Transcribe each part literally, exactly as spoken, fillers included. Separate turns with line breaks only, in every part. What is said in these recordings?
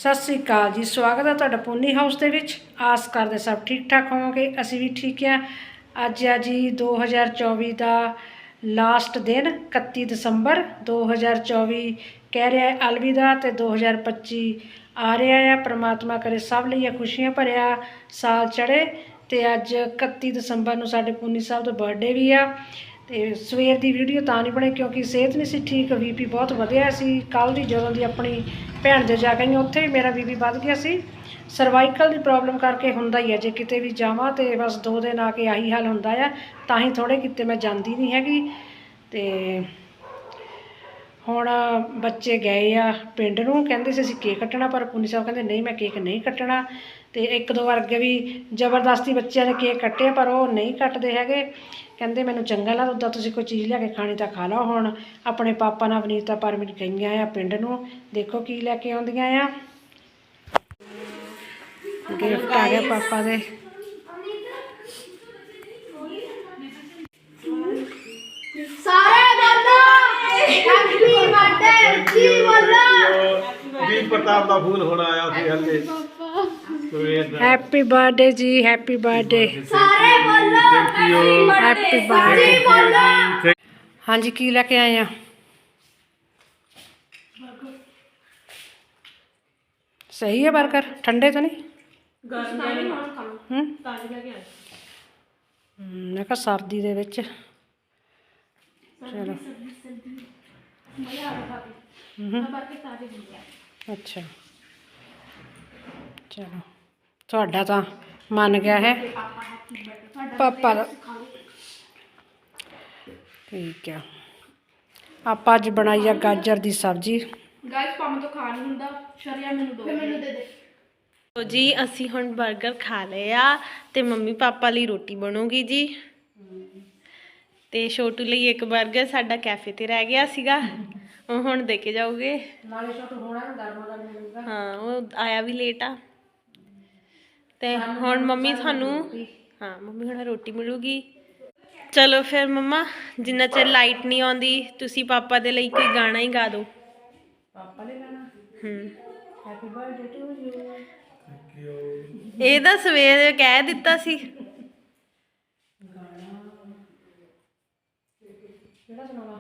ਸਤਿ ਸ਼੍ਰੀ ਅਕਾਲ ਜੀ। ਸਵਾਗਤ ਹੈ ਤੁਹਾਡਾ ਪੂਨੀ ਹਾਊਸ ਦੇ ਵਿੱਚ। ਆਸ ਕਰਦੇ ਸਭ ਠੀਕ ਠਾਕ ਹੋਵੋਗੇ। ਅਸੀਂ ਵੀ ਠੀਕ ਹਾਂ। ਅੱਜ ਆ ਜੀ ਦੋ ਹਜ਼ਾਰ ਚੌਵੀ ਦਾ ਲਾਸਟ ਦਿਨ, ਇਕੱਤੀ ਦਸੰਬਰ ਦੋ ਹਜ਼ਾਰ ਚੌਵੀ ਕਹਿ ਰਿਹਾ ਹੈ ਅਲਵਿਦਾ, ਅਤੇ ਦੋ ਹਜ਼ਾਰ ਪੱਚੀ ਆ ਰਿਹਾ ਆ। ਪ੍ਰਮਾਤਮਾ ਕਰੇ ਸਭ ਲਈ ਖੁਸ਼ੀਆਂ ਭਰਿਆ ਸਾਲ ਚੜ੍ਹੇ। ਅਤੇ ਅੱਜ ਇਕੱਤੀ ਦਸੰਬਰ ਨੂੰ ਸਾਡੇ ਪੂਨੀ ਸਾਹਿਬ ਦਾ ਬਰਥਡੇ ਵੀ ਆ। ਅਤੇ ਸਵੇਰ ਦੀ ਵੀਡੀਓ ਤਾਂ ਨਹੀਂ ਬਣੀ ਕਿਉਂਕਿ ਸਿਹਤ ਨਹੀਂ ਸੀ ਠੀਕ, ਬੀ ਪੀ ਬਹੁਤ ਵਧਿਆ ਸੀ। ਕੱਲ੍ਹ ਦੀ ਜਦੋਂ ਦੀ ਆਪਣੀ ਭੈਣ ਦੇ ਜਾ ਕੇ ਆਈ ਉੱਥੇ ਵੀ ਮੇਰਾ ਬੀ ਪੀ ਵੱਧ ਗਿਆ ਸੀ। ਸਰਵਾਈਕਲ ਦੀ ਪ੍ਰੋਬਲਮ ਕਰਕੇ ਹੁੰਦਾ ਹੀ ਹੈ, ਜੇ ਕਿਤੇ ਵੀ ਜਾਵਾਂ ਅਤੇ ਬਸ ਦੋ ਦਿਨ ਆ ਕੇ ਆਹੀ ਹਾਲ ਹੁੰਦਾ ਆ। ਤਾਂ ਹੀ ਥੋੜ੍ਹੇ ਕਿਤੇ ਮੈਂ ਜਾਂਦੀ ਨਹੀਂ ਹੈਗੀ। ਅਤੇ ਹੁਣ ਬੱਚੇ ਗਏ ਆ ਪਿੰਡ ਨੂੰ, ਕਹਿੰਦੇ ਸੀ ਅਸੀਂ ਕੇਕ ਕੱਟਣਾ, ਪਰ ਪੂਨੀ ਸਾਹਿਬ ਕਹਿੰਦੇ ਨਹੀਂ ਮੈਂ ਕੇਕ ਨਹੀਂ ਕੱਟਣਾ। ਅਤੇ ਇੱਕ ਦੋ ਵਾਰ ਅੱਗੇ ਵੀ ਜ਼ਬਰਦਸਤੀ ਬੱਚਿਆਂ ਨੇ ਕੇਕ ਕੱਟੇ, ਪਰ ਉਹ ਨਹੀਂ ਕੱਟਦੇ ਹੈਗੇ। ਕਹਿੰਦੇ ਮੈਨੂੰ ਚੰਗਾ ਲੱਗਦਾ, ਉੱਦਾਂ ਤੁਸੀਂ ਕੋਈ ਚੀਜ਼ ਲਿਆ ਕੇ ਖਾਣੀ ਤਾਂ ਖਾ ਲਓ। ਹੁਣ ਆਪਣੇ ਪਾਪਾ ਨਾਲ ਵਨੀਤਾ ਪਰਮਿਟ ਗਈਆਂ ਆ ਪਿੰਡ ਨੂੰ, ਦੇਖੋ ਕੀ ਲੈ ਕੇ ਆਉਂਦੀਆਂ ਆ। ਗਿਫਟ ਆ ਗਿਆ ਪਾਪਾ ਦੇ।
ਸਾਰੇ ਬੋਲੋ ਹੈਪੀ ਬਰਥਡੇ ਜੀ ਬੋਲੋ।
ਵੀ ਪ੍ਰਤਾਪ ਦਾ ਫੋਨ ਹੁਣ ਆਇਆ ਸੀ ਹੱਲੇ ਸਵੇਰ ਦਾ।
ਹੈਪੀ ਬਰਥਡੇ ਜੀ, ਹੈਪੀ ਬਰਥਡੇ।
ਸਾਰੇ ਬੋਲੋ
ਹੈਪੀ ਬਰਥਡੇ
ਜੀ ਬੋਲੋ।
ਹਾਂਜੀ ਕੀ ਲੈ ਕੇ ਆਏ ਆ? ਸਹੀ ਹੈ ਬਰਗਰ, ਠੰਡੇ ਤਾਂ ਨਹੀਂ? ਹੂੰ ਮੈਂ ਕਿਹਾ ਸਰਦੀ ਦੇ ਵਿੱਚ ਚਲੋ। ਅੱਛਾ ਚਲੋ, ਤੁਹਾਡਾ ਤਾਂ ਮੰਨ ਗਿਆ ਹੈ ਪਾਪਾ ਦਾ। ਠੀਕ ਆ। ਆਪਾਂ ਅੱਜ ਬਣਾਈ ਆ ਗਾਜਰ ਦੀ ਸਬਜ਼ੀ।
ਗਾਇਸ ਪਾਪਾ ਤੋਂ ਖਾ ਨਹੀਂ ਹੁੰਦਾ, ਸ਼ਰਿਆ ਮੈਨੂੰ ਦੋ ਮੈਨੂੰ ਦੇ ਦੇ।
ਲੋ ਜੀ ਅਸੀਂ ਹੁਣ 버ਗਰ ਖਾ ਲਏ ਆ ਤੇ ਮੰਮੀ ਪਾਪਾ ਲਈ ਰੋਟੀ ਬਣੂਗੀ ਜੀ। ਤੇ ਛੋਟੂ ਲਈ ਇੱਕ 버ਗਰ ਸਾਡਾ ਕੈਫੇ ਤੇ ਰਹਿ ਗਿਆ ਸੀਗਾ, ਉਹ ਹੁਣ ਦੇ ਕੇ ਜਾਓਗੇ।
ਨਾਲੇ ਛੋਟੂ ਹੋਣਾ ਗਰਮ ਗਰਮ ਮਿਲੂਗਾ।
ਹਾਂ ਉਹ ਆਇਆ ਵੀ ਲੇਟ ਆ। ਤੇ ਹੁਣ ਮੰਮੀ ਤੁਹਾਨੂੰ ਹਾਂ ਮੰਮੀ ਹੁਣ ਰੋਟੀ ਮਿਲੂਗੀ। ਚਲੋ ਫਿਰ ਮੰਮਾ, ਜਿੰਨਾ ਚਿਰ ਲਾਈਟ ਨਹੀਂ ਆਉਂਦੀ ਤੁਸੀਂ ਪਾਪਾ ਦੇ ਲਈ ਕੋਈ ਗਾਣਾ ਹੀ ਗਾ ਦਿਓ।
ਪਾਪਾ ਨੇ ਗਾਣਾ
ਹੂੰ
ਹੈਪੀ ਬਰਥਡੇ ਟੂ ਯੂ।
ਇਹ ਤਾਂ ਸਵੇਰੇ ਕਹਿ ਦਿੱਤਾ ਸੀ।
ਕਿਹੜਾ ਸੁਣਾਵਾ?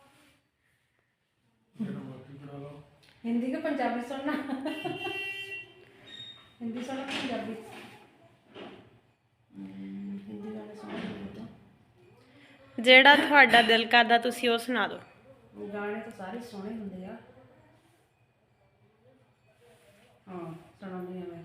ਹਿੰਦੀ ਕਿ ਪੰਜਾਬੀ ਸੁਣਨਾ? ਹਿੰਦੀ ਸੁਣਨਾ ਕਿ ਪੰਜਾਬੀ? ਹਿੰਦੀ ਗਾਣੇ ਸੁਣਨਾ।
ਜਿਹੜਾ ਤੁਹਾਡਾ ਦਿਲ ਕਰਦਾ ਤੁਸੀਂ ਉਹ ਸੁਣਾ ਦਿਓ।
ਗਾਣੇ ਤਾਂ ਸਾਰੇ ਸੋਹਣੇ ਹੁੰਦੇ ਆ। ਹਾਂ ਸੁਣਾਉਂਦੀ ਹਾਂ ਮੈਂ।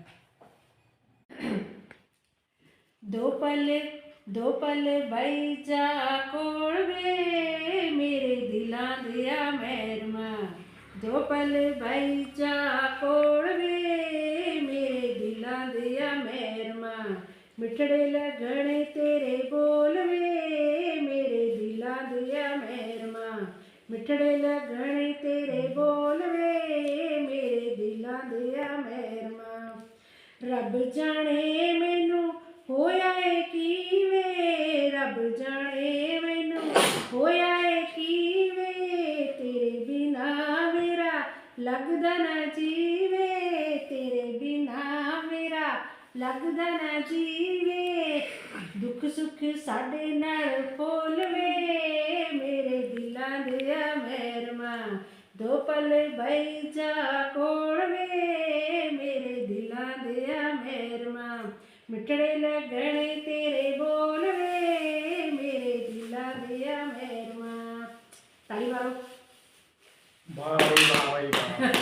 ਦੋ ਪਲ ਦੋ ਪਲ ਬਈ ਜਾ ਕੋਲ ਵੇ ਮੇਰੇ ਦਿਲਾਂ ਦਿਆ ਮਹਿਰਮਾ। ਦੋ ਪਲ ਬਈ ਜਾ ਕੋਲ ਵੇ ਮੇਰੇ ਦਿਲਾਂ ਦਿਆ ਮਹਿਰਮਾ। ਮਿੱਠੜੇ ਲੱਗਣੇ ਤੇਰੇ ਬੋਲ ਵੇ ਮੇਰੇ ਦਿਲਾਂ ਦਿਆ ਮਹਿਰਮਾ। ਮਿੱਠੜੇ ਲੱਗਣੇ ਤੇਰੇ ਬੋਲ ਵੇ ਮੇਰੇ ਦਿਲਾਂ ਦਿਆ ਮਹਿਰਮਾ। ਰੱਬ ਜਾਣੇ ਮੈਨੂੰ ਹੋਇਆ ਏ ਕੀ ਵੇ, ਰੱਬ ਜਾਣੇ ਮੈਨੂੰ ਹੋਇਆ ਏ ਕੀ ਵੇ। ਤੇਰੇ ਬਿਨਾ ਮੇਰਾ ਲੱਗਦਾ ਨਾ ਜੀਵੇ, ਤੇਰੇ ਬਿਨਾ ਮੇਰਾ ਲੱਗਦਾ ਨਾ ਜੀਵੇ। ਦੁੱਖ ਸੁੱਖ ਸਾਡੇ ਨਾਲ ਫੋਲ ਵੇ ਮੇਰੇ ਦਿਲਾਂ ਦਿਆ ਮਹਿਰਮਾ। ਦੋ ਪਲ ਬਈ ਜਾ ਕੋਲ ਵੇ ਮੇਰੇ ਦਿਲਾਂ ਦਿਆ ਮਹਿਰਮਾ। ਮਿੱਠੜੇ ਲੱਗਣੇ ਤੇਰੇ ਬੋਲ ਵੇ ਮੇਰੇ ਦਿਲਾਂ ਦਿਆ ਮਹਿਰਮਾ। ਤਾਲੀ ਮਾਰੋ।
ਵਾਹ ਬਈ ਵਾਹ ਬਈ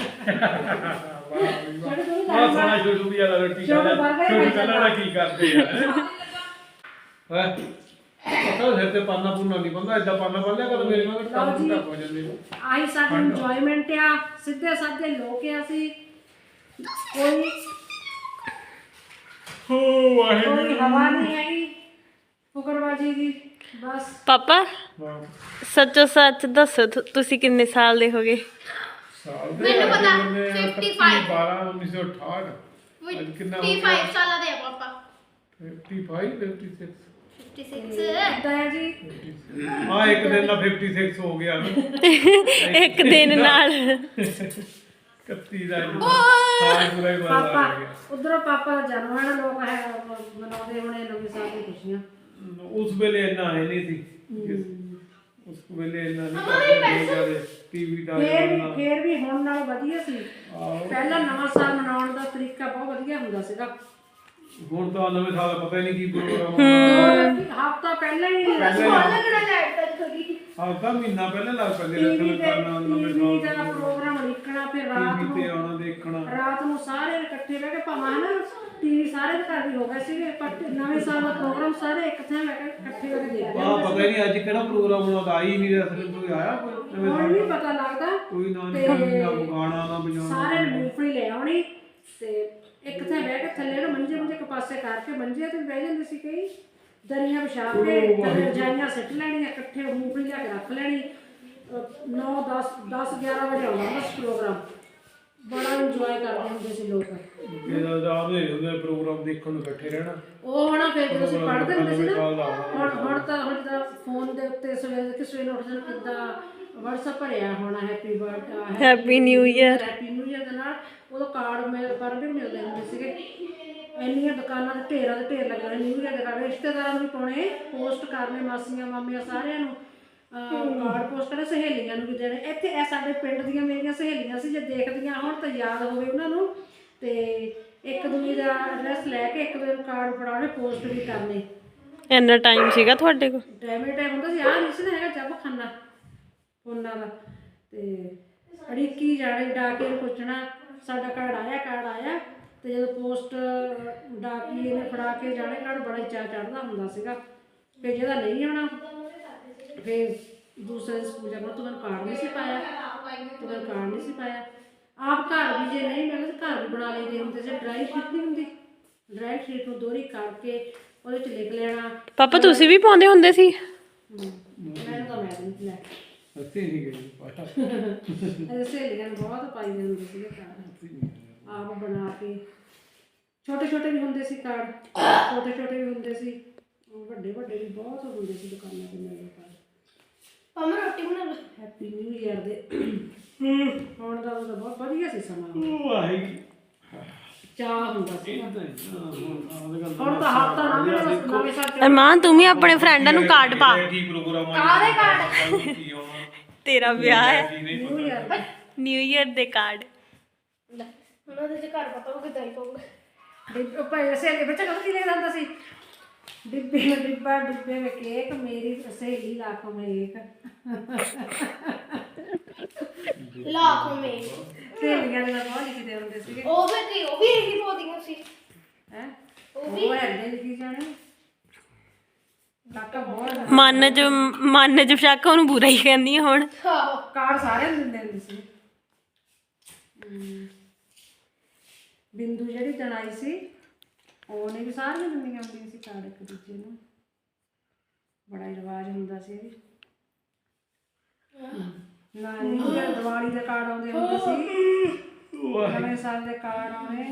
ਵਾਹ। ਆਹ ਸੋਹਣਾ ਛੋਟੂ ਵੀ ਆ ਰੋਟੀ ਖਾਂਦਾ। ਛੋਟੂ ਕਹਿੰਦਾ ਕੀ ਕਰਦੇ ਆ ਹੈ। ਪਤਾ ਸਿਰ ਤੇ ਪਾਨਾ ਪੂਨਾ ਨਹੀਂ ਬੰਦਾ, ਏਦਾਂ ਪਾਨਾ ਪਾ ਲਿਆ ਕਰ ਮੇਰੇ ਨਾਲ ਕੰਮ ਟੱਪ ਹੋ ਜਾਂਦੇ ਨੇ।
ਆਹੀ ਸਾਡੀ ਇੰਜੋਇਮੈਂਟ ਆ। ਸਿੱਧੇ ਸਾਧੇ ਲੋਕ ਆ ਅਸੀਂ। ਕੋਈ
ਹੋ ਵਾਹਿਗੁਰੂ
ਕੋਈ ਹਵਾ ਨਹੀਂ ਹੈਗੀ ਫੁਕਰਬਾਜੀ ਦੀ ਬਸ।
ਪਾਪਾ ਸੱਚੋ ਸੱਚ ਦੱਸੋ ਤੁਸੀਂ ਕਿੰਨੇ ਸਾਲ ਦੇ ਹੋਗੇ?
ਮੈਨੂੰ ਪਤਾ ਪਚਪਨ
ਬਾਰਾਂ ਉੱਨੀ ਸੌ ਅਠਾਹਠ। ਅੱਜ ਕਿੰਨਾ ਹੋ ਗਿਆ?
ਪਚਪਨ ਸਾਲਾਂ ਦੇ ਆ ਪਾਪਾ।
ਪਚਪਨ ਛਪਨ ਛੇ
ਛੱਪਨ
ਇਦਾਂ ਹੈ ਜੀ।
ਹਾਂ ਇੱਕ ਦਿਨ ਦਾ ਛਪਨ ਛੇ ਹੋ ਗਿਆ
ਇੱਕ ਦਿਨ ਨਾਲ
ਕੱਤੀ ਦਾ ਸਾਲ ਪੂਰਾ ਹੀ ਬਦਲ
ਪਾਪਾ
ਗਿਆ।
ਉਧਰੋਂ ਪਾਪਾ ਦਾ ਜਨਮ ਹੈ ਨਾ, ਲੋਕ ਹੈ ਮਨਾਉਂਦੇ ਹੋਣੇ ਨਵੇਂ ਸਾਲ ਦੀ ਖੁਸ਼ੀਆਂ।
ਉਸ ਵੇਲੇ ਇੰਨਾ ਹੈ ਨਹੀਂ ਸੀ ਉਸ ਵੇਲੇ ਇੰਨਾ ਨਹੀਂ ਕਰਦੇ ਜਿਆਦਾ ਟੀਵੀ ਦਾ
ਫੇਰ ਵੀ
ਜ਼ਮਾਨਾ।
ਫੇਰ ਵੀ ਹੁਣ ਨਾਲੋਂ ਵਧੀਆ ਸੀ।
ਆਹੋ।
ਪਹਿਲਾਂ ਨਵਾਂ ਸਾਲ ਮਨਾਉਣ ਦਾ ਤਰੀਕਾ ਬਹੁਤ ਵਧੀਆ ਹੁੰਦਾ ਸੀਗਾ।
ਹੁਣ ਤਾਂ ਨਵੇਂ ਸਾਲ ਦਾ ਪਤਾ ਹੀ ਨਹੀਂ ਕੀ ਪ੍ਰੋਗਰਾਮ ਆਉਣਾ।
ਹਫ਼ਤਾ ਪਹਿਲਾਂ ਹੀ
ਹਫ਼ਤਾ ਮਹੀਨਾ ਪਹਿਲਾਂ ਲੱਗ ਪੈਂਦੇ
ਟੀਵੀ
ਰੱਖਣ
ਤੇ
ਕਰਨਾ ਨਵੇਂ
ਟੀਵੀ
ਸਾਲ
ਦਾ ਪ੍ਰੋਗਰਾਮ ਲਿਖਣਾ, ਫਿਰ ਰਾਤ
ਟੀਵੀ ਤੇ
ਨੂੰ
ਆਉਣਾ ਦੇਖਣਾ।
ਰਾਤ ਨੂੰ ਸਾਰੇ ਇਕੱਠੇ ਬਹਿ ਕੇ ਭਾਵੇਂ ਨਾ ਟੀਵੀ ਸਾਰੇ ਦੇ ਘਰ ਵੀ ਹੋ ਗਿਆ ਸੀ, ਪਰ ਨਵੇਂ ਸਾਲ ਦਾ ਪ੍ਰੋਗਰਾਮ ਸਾਰੇ ਇੱਕ ਥਾਂ ਬਹਿ ਕੇ ਇਕੱਠੇ ਹੋ ਕੇ ਦੇਖਦੇ
ਆ ਪਤਾ ਹੀ ਨਹੀਂ ਅੱਜ ਕਿਹੜਾ ਪ੍ਰੋਗਰਾਮ ਹੋਣਾ ਤਾਂ ਆਈ ਨਹੀਂ ਰਿਹਾ ਕੋਈ ਆਇਆ ਕੋਈ ਨਵੇਂ
ਹੁਣ
ਸਾਲ
ਨਹੀਂ
ਦਾ?
ਪਤਾ ਲੱਗਦਾ।
ਕੋਈ ਨਾ ਨਹੀਂ ਨਾ ਗਾਣਾ ਨਾ ਵਜਾਉਣਾ।
ਸਾਰੇ ਨੇ ਮੂੰਗਫਲੀ ਲੈ ਆਉਣੀ ਤੇ ਇੱਕ ਥਾਂ ਬਹਿ ਕੇ ਥੱਲੇ ਨਾ ਮੰਜੇ ਮੰਜੇ ਇੱਕ ਪਾਸੇ ਕਰਕੇ ਮੰਜੇ ਤੇ ਬਹਿ ਜਾਂਦੇ ਸੀ ਕਈ, ਦਰੀਆਂ ਵਿਛਾ ਕੇ ਥੱਲੇ ਰਜਾਈਆਂ ਸਿੱਟ ਲੈਣੀਆਂ, ਇਕੱਠੇ ਮੂੰਗਫਲੀ ਲਿਆ ਕੇ ਰੱਖ ਲੈਣੀ। ਨੌ ਦਸ ਦਸ ਗਿਆਰਾਂ ਵਜੇ ਆਉਣਾ ਬਸ ਪ੍ਰੋਗਰਾਮ। ਬੜਾ ਇੰਜੋਏ ਕਰਦੇ ਹੁੰਦੇ ਸੀ ਲੋਕ।
ਇਹਦਾ ਜਾਦੇ ਹੁੰਦੇ ਪ੍ਰੋਗਰਾਮ ਦੇਖਣ ਨੂੰ ਇਕੱਠੇ ਰਹਿਣਾ।
ਉਹ ਹੁਣ ਫਿਰ ਜਦੋਂ ਅਸੀਂ ਪੜ੍ਹਦੇ ਹੁੰਦੇ ਸੀ ਨਾ,
ਸਾਲ ਦਾ
ਹੁਣ ਹੁਣ ਤਾਂ ਹੁਣ ਤਾਂ ਫੋਨ ਦੇ ਉੱਤੇ ਸਵੇਰੇ ਕਿਸੇ ਨੂੰ ਉੱਠ ਜਾਣ ਕਿੱਦਾਂ WhatsApp ਭਰਿਆ ਹੋਣਾ happy birthday
happy new year.
Happy new year ਦੇ ਨਾਲ ਉਦੋਂ ਕਾਰਡ ਮਿਲ ਪਰ ਵੀ ਮਿਲਦੇ ਹੁੰਦੇ ਸੀਗੇ। ਇੰਨੀਆਂ ਦੁਕਾਨਾਂ ਦੇ ਢੇਰਾਂ ਦੇ ਢੇਰ ਲੱਗਣੇ ਨਿਊ ਈਅਰ ਦੇ ਕਾਰਡ, ਰਿਸ਼ਤੇਦਾਰਾਂ ਨੂੰ ਵੀ ਪਾਉਣੇ, ਪੋਸਟ ਕਰਨੇ, ਮਾਸੀਆਂ ਮਾਮੀਆਂ ਸਾਰਿਆਂ ਨੂੰ ਕਾਰਡ ਪੋਸਟ ਕਰਨੇ, ਸਹੇਲੀਆਂ ਨੂੰ ਵੀ ਦੇਣੇ। ਇੱਥੇ ਇਹ ਸਾਡੇ ਪਿੰਡ ਦੀਆਂ ਮੇਰੀਆਂ ਸਹੇਲੀਆਂ ਸੀ, ਜੇ ਦੇਖਦੀਆਂ ਹੁਣ ਤਾਂ ਯਾਦ ਹੋਵੇ ਉਹਨਾਂ ਨੂੰ, ਤੇ ਇੱਕ ਦੂਜੇ ਦਾ ਐਡਰੈਸ ਲੈ ਕੇ ਇੱਕ ਦੂਜੇ ਨੂੰ ਕਾਰਡ ਫੜਾਉਣੇ, ਪੋਸਟ ਵੀ ਕਰਨੇ।
ਇੰਨਾ ਟਾਈਮ ਸੀਗਾ ਤੁਹਾਡੇ ਕੋਲ?
ਟਾਈਮ ਹੀ ਟਾਈਮ ਹੁੰਦਾ ਸੀ। ਆਹ ਨਹੀਂ ਸੀ ਨਾ ਹੈਗਾ ਜੱਬ ਖਾਨਾ ਫੋਨਾਂ ਦਾ, ਤੇ ਅੜੀਕੀ ਜਾਣੇ ਡਾਕੇ ਨੂੰ ਪੁੱਛਣਾ ਸਾਡਾ ਕਾਰਡ ਆਇਆ ਕਾਰਡ ਆਇਆ। ਤੇ ਜਦੋਂ ਪੋਸਟ ਡਾਕੀਏ ਨੇ ਫੜਾ ਕੇ ਜਾਣੇ ਕਾਰਡ, ਬੜਾ ਹੀ ਚਾਅ ਚੜ੍ਹਦਾ ਹੁੰਦਾ ਸੀਗਾ। ਫਿਰ ਜਿਹਦਾ ਨਹੀਂ ਆਉਣਾ ਫਿਰ ਦੂਸਰੇ ਸਕੂਲ ਜਾਣਾ, ਤੂੰ ਮੈਨੂੰ ਕਾਰਡ ਨਹੀਂ ਸੀ ਪਾਇਆ, ਤੂੰ ਮੈਨੂੰ ਕਾਰਡ ਨਹੀਂ ਸੀ ਪਾਇਆ। ਆਪ ਘਰ ਵੀ ਜੇ ਨਹੀਂ ਮਿਲਦਾ ਘਰ ਵੀ ਬਣਾ ਲਈਦੇ ਹੁੰਦੇ ਸੀ। ਡਰਾਈ ਸ਼ੀਟ ਨਹੀਂ ਹੁੰਦੀ, ਡਰਾਈ ਸ਼ੀਟ ਨੂੰ ਦੋਹਰੀ ਕਰਕੇ ਉਹਦੇ 'ਚ ਲਿਖ ਲੈਣਾ।
ਪਾਪਾ ਤੁਸੀਂ ਵੀ ਪਾਉਂਦੇ ਹੁੰਦੇ ਸੀ?
ਮੈਂ ਤਾਂ ਮੈਂ ਨਹੀਂ ਲੈ
ਅਸੀਂ ਨਹੀਂ ਗਏ ਪਾਇਆ।
ਇਹ ਸਹੇਲੀਆਂ ਨੂੰ ਬਹੁਤ ਪਾਈ ਦੇ ਹੁੰਦੇ ਸੀਗੇ ਕਾਰਡ, ਆਪ ਬਣਾ ਕੇ। ਛੋਟੇ ਛੋਟੇ ਵੀ ਹੁੰਦੇ ਸੀ ਕਾਰਡ, ਛੋਟੇ ਛੋਟੇ ਵੀ ਹੁੰਦੇ ਸੀ, ਵੱਡੇ ਵੱਡੇ ਵੀ ਬਹੁਤ ਹੁੰਦੇ ਸੀ ਦੁਕਾਨਾਂ ਤੇ ਮੇਰੇ ਕਾਰਡ।
ਪਾਪਾ ਰੋਟੀ ਬਣਾ ਲਓ।
ਹੈਪੀ ਨਿਊ ਈਅਰ ਦੇ ਹੁਣ ਦਾ ਉਹਦਾ ਬਹੁਤ ਵਧੀਆ ਸੀ ਸਮਾਂ,
ਵਾਹਿਗੁਰੂ
ਚਾਅ ਹੁੰਦਾ ਸੀ।
ਹੁਣ
ਹੁਣ ਤਾਂ ਹਫ਼ਤਾ ਨਾ ਵੀ ਬਸ ਨਵੇਂ ਸਾਲ ਚ
ਅਰਮਾਨ ਤੂੰ ਵੀ ਆਪਣੇ ਫਰੈਂਡਾਂ ਨੂੰ ਕਾਰਡ ਪਾ।
ਕੀ ਪ੍ਰੋਗਰਾਮ ਆ ਕਾਹਦੇ ਕਾਰਡ ਕੀ ਆਉਣਾ
ਤੇਰਾ ਵਿਆਹ ਹੈ,
ਨਿਊ ਈਅਰ
ਨਿਊ ਈਅਰ ਦੇ ਕਾਰਡ।
ਲੈ ਹੁਣ ਉਹਦੇ ਚ ਘਰ ਪਤਾ ਉਹ ਕਿਦਾਂ ਹੀ ਪਾਉਂਗਾ।
ਡਿੱਬ ਭਾਈ ਸਹੇਲੀ ਬੱਚਾ ਕਦੋਂ ਕੀ ਲਿਖਦਾ ਹੁੰਦਾ ਸੀ? डिब्बे में डिब्बा डिब्बे में केक मेरी सहेली लाखों में एक।
लाखों में
सहेलियां ने बहुत लिखते होंगे सी।
ਉਹ ਵੀ ਕੀ ਉਹ ਵੀ ਇਹੀ ਬੋਲਦੀਆਂ ਸੀ
हैं वो है दे लिखी जाने काका बहुत
ਮਨ ਚ ਮਨ ਚ ਸ਼ੱਕ ਉਹਨੂੰ ਬੁਰਾ ਹੀ ਕਹਿੰਦੀ ਆ ਹੁਣ।
ਆਹੋ
कार्ड सारे दिंदे ਹੁੰਦੇ ਸੀ। बिंदु ਜਿਹੜੀ ਜਣਾਈ ਸੀ ਉਹਨੇ ਵੀ ਸਾਰੀਆਂ ਦਿੰਦੀਆਂ ਹੁੰਦੀਆਂ ਸੀ ਕਾਰਡ ਇੱਕ ਦੂਜੇ ਨੂੰ। ਬੜਾ ਹੀ ਰਿਵਾਜ ਹੁੰਦਾ ਸੀ ਇਹ। ਨਾ ਨਹੀਂ ਦੀਵਾਲੀ ਦੇ ਕਾਰਡ ਆਉਂਦੇ ਹੁੰਦੇ ਸੀ, ਨਵੇਂ ਸਾਲ ਦੇ ਕਾਰਡ ਆਉਣੇ।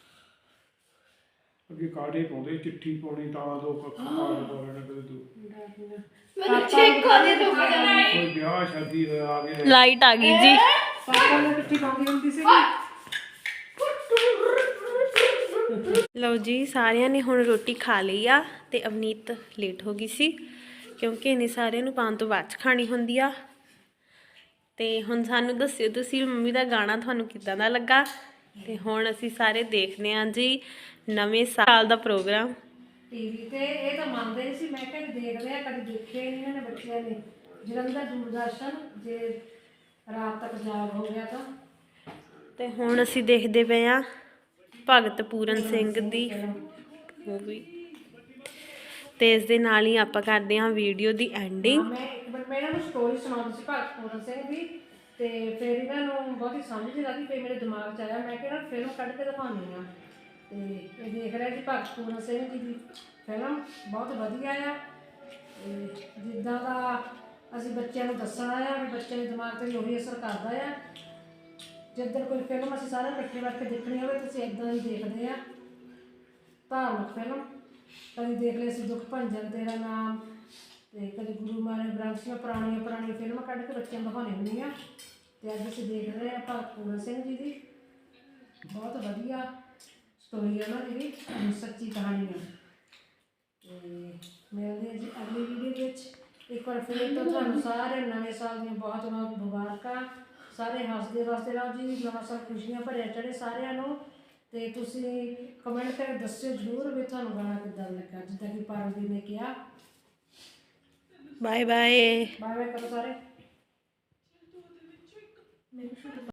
ਅੱਗੇ ਕਾੜੇ ਪਾਉਂਦੇ ਚਿੱਠੀ ਪਾਉਣੀ ਤਾਂ ਦੋ ਕੱਖ ਕਾਰਡ ਪਾਉਣੇ ਕਦੇ ਦੋ
ਮੈਨੂੰ ਚੈੱਕ ਕਰ ਦੇ ਤੂੰ ਕਿਹੜਾ
ਕੋਈ ਵਿਆਹ ਸ਼ਾਦੀ ਹੋਇਆ ਆ ਗਏ
ਲਾਈਟ ਆ ਗਈ ਜੀ।
ਪਾਪਾ ਨੇ ਚਿੱਠੀ ਪਾਉਂਦੀ ਹੁੰਦੀ ਸੀ।
ਲਓ ਜੀ ਸਾਰਿਆਂ ਨੇ ਹੁਣ ਰੋਟੀ ਖਾ ਲਈ ਆ ਤੇ ਅਵਨੀਤ ਲੇਟ ਹੋ ਗਈ ਸੀ ਕਿਉਂਕਿ ਇਹਨੇ ਸਾਰਿਆਂ ਨੂੰ ਪਾਉਣ ਤੋਂ ਬਾਅਦ 'ਚ ਖਾਣੀ ਹੁੰਦੀ ਆ। ਤੇ ਹੁਣ ਸਾਨੂੰ ਦੱਸਿਓ ਤੁਸੀਂ ਮੰਮੀ ਦਾ ਗਾਣਾ ਤੁਹਾਨੂੰ ਕਿੱਦਾਂ ਦਾ ਲੱਗਾ। ਤੇ ਹੁਣ ਅਸੀਂ ਸਾਰੇ ਦੇਖਦੇ ਹਾਂ ਜੀ ਨਵੇਂ ਸਾਲ ਦਾ ਪ੍ਰੋਗਰਾਮ
ਟੀਵੀ ਤੇ। ਇਹ ਤਾਂ ਮੰਨਦੇ ਨਹੀਂ ਸੀ, ਮੈਂ ਕਿਹਾ ਦੇਖਦੇ ਆ, ਕਦੇ ਦੇਖਿਆ ਹੀ ਨਹੀਂ ਇਹਨਾਂ ਨੇ ਬੱਚਿਆਂ ਨੇ। ਜਲੰਧਰ ਦੂਰਦਰਸ਼ਨ ਜੇ ਰਾਤ ਤੱਕ ਜਾਗ ਹੋ ਗਿਆ ਤਾਂ।
ਤੇ ਹੁਣ ਅਸੀਂ ਦੇਖਦੇ ਪਏ ਆ ਭਗਤ ਪੂਰਨ ਸਿੰਘ ਦੀ ਮੂਵੀ ਤੇ ਇਸ ਦੇ ਨਾਲ ਹੀ ਆਪਾਂ ਕਰਦੇ ਹਾਂ ਵੀਡੀਓ ਦੀ ਐਂਡਿੰਗ।
ਮੈਂ ਇੱਕ ਮਿੰਟ ਮੈਂ ਇਹਨਾਂ ਨੂੰ ਸਟੋਰੀ ਸੁਣਾਉਂਦੀ ਸੀ ਭਗਤ ਪੂਰਨ ਸਿੰਘ ਦੀ, ਤੇ ਫਿਰ ਇਹਨਾਂ ਨੂੰ ਬਹੁਤੀ ਸਮਝ ਨਹੀਂ ਲੱਗਦੀ। ਫਿਰ ਮੇਰੇ ਦਿਮਾਗ 'ਚ ਆਇਆ, ਮੈਂ ਕਿਹਾ ਫਿਲਮ ਕੱਢ ਕੇ ਦਿਖਾਉਂਦੀ ਹਾਂ। ਤੇ ਇਹ ਦੇਖ ਰਿਹਾ ਜੀ ਭਗਤ ਪੂਰਨ ਸਿੰਘ ਜੀ ਦੀ ਫਿਲਮ ਬਹੁਤ ਵਧੀਆ ਆ। ਤੇ ਜਿੱਦਾਂ ਦਾ ਅਸੀਂ ਬੱਚਿਆਂ ਨੂੰ ਦੱਸਣਾ ਆ ਵੀ ਬੱਚਿਆਂ ਦੇ ਦਿਮਾਗ 'ਤੇ ਵੀ ਉਹੀ ਅਸਰ ਕਰਦਾ ਆ। ਜਿੱਦਣ ਕੋਈ ਫਿਲਮ ਅਸੀਂ ਸਾਰੇ ਇਕੱਠੇ ਬੈਠ ਕੇ ਦੇਖਣੀ ਹੋਵੇ ਤਾਂ ਅਸੀਂ ਇੱਦਾਂ ਹੀ ਦੇਖਦੇ ਹਾਂ। ਧਾਰਮਿਕ ਫਿਲਮ ਕਦੀ ਦੇਖ ਲਈ ਅਸੀਂ ਦੁੱਖ ਭੰਜਨ ਤੇਰਾ ਨਾਮ, ਤੇ ਕਦੇ ਗੁਰੂ ਮਹਾਰਾਜ ਗ੍ਰੰਥ ਸਾਹਿਬ ਪੁਰਾਣੀਆਂ ਪੁਰਾਣੀਆਂ ਫਿਲਮਾਂ ਕੱਢ ਕੇ ਬੱਚਿਆਂ ਨੂੰ ਦਿਖਾਉਣੀ ਹੁੰਦੀਆਂ। ਤੇ ਅੱਜ ਅਸੀਂ ਦੇਖ ਰਹੇ ਹਾਂ ਭਗਤ ਪੂਰਨ ਸਿੰਘ ਜੀ ਦੀ ਬਹੁਤ ਵਧੀਆ ਸਟੋਰੀ ਹੈ ਉਹਨਾਂ ਦੀ ਵੀ ਸੱਚੀ ਕਹਾਣੀ ਹੈ। ਤੇ ਮਿਲਦੇ ਹਾਂ ਜੀ ਅਗਲੀ ਵੀਡੀਓ ਵਿੱਚ। ਇੱਕ ਵਾਰ ਫਿਰ ਤੋਂ ਤੁਹਾਨੂੰ ਸਾਰੇ ਨਵੇਂ ਸਾਲ ਦੀਆਂ ਬਹੁਤ ਬਹੁਤ ਮੁਬਾਰਕਾਂ। ਸਾਰੇ ਹੱਸਦੇ ਵਸਦੇ ਰਹੋ ਜੀ, ਨਵਾਂ ਸਾਲ ਖੁਸ਼ੀਆਂ ਭਰਿਆ ਚੜ੍ਹੇ ਸਾਰਿਆਂ ਨੂੰ। ਤੇ ਤੁਸੀਂ ਕਮੈਂਟ ਕਰਕੇ ਦੱਸਿਓ ਜ਼ਰੂਰ ਵੀ ਤੁਹਾਨੂੰ ਗਾਣਾ ਕਿੱਦਾਂ ਲੱਗਾ, ਜਿੱਦਾਂ ਕਿ ਪਰਮਜੀਤ ਨੇ ਕਿਹਾ।
Bye bye.
ਬਾਏ ਬਾਏ ਕਰੋ ਸਾਰੇ।